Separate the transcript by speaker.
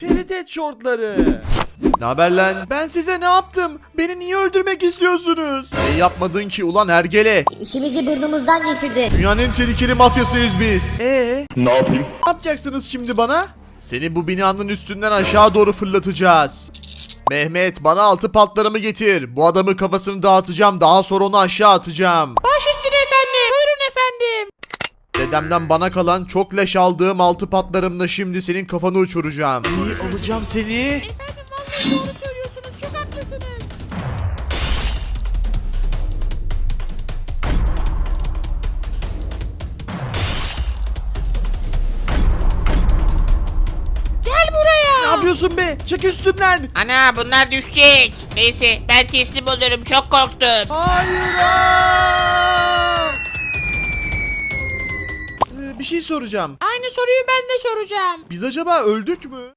Speaker 1: Peritet şortları. Ne haber lan? Ben size ne yaptım? Beni niye öldürmek istiyorsunuz? Ne yapmadın ki ulan hergele?
Speaker 2: İşimizi burnumuzdan geçirdi.
Speaker 1: Dünyanın en tehlikeli mafyasıyız biz. Ne yapayım? Ne yapacaksınız şimdi bana? Seni bu binanın üstünden aşağı doğru fırlatacağız. Mehmet bana 6 patlarımı getir. Bu adamın kafasını dağıtacağım. Daha sonra onu aşağı atacağım.
Speaker 3: Baş üstüne efendim. Buyurun efendim.
Speaker 1: Dedemden bana kalan çok leş aldığım 6 patlarımla şimdi senin kafanı uçuracağım. İyi alacağım seni.
Speaker 3: Efendim vallahi doğru söylüyorsunuz. Çok haklısınız. Gel buraya.
Speaker 1: Ne yapıyorsun be? Çık üstümden.
Speaker 3: Ana bunlar düşecek. Neyse ben teslim olurum. Çok korktum.
Speaker 1: Hayır. Bir şey soracağım.
Speaker 3: Aynı soruyu ben de soracağım.
Speaker 1: Biz acaba öldük mü?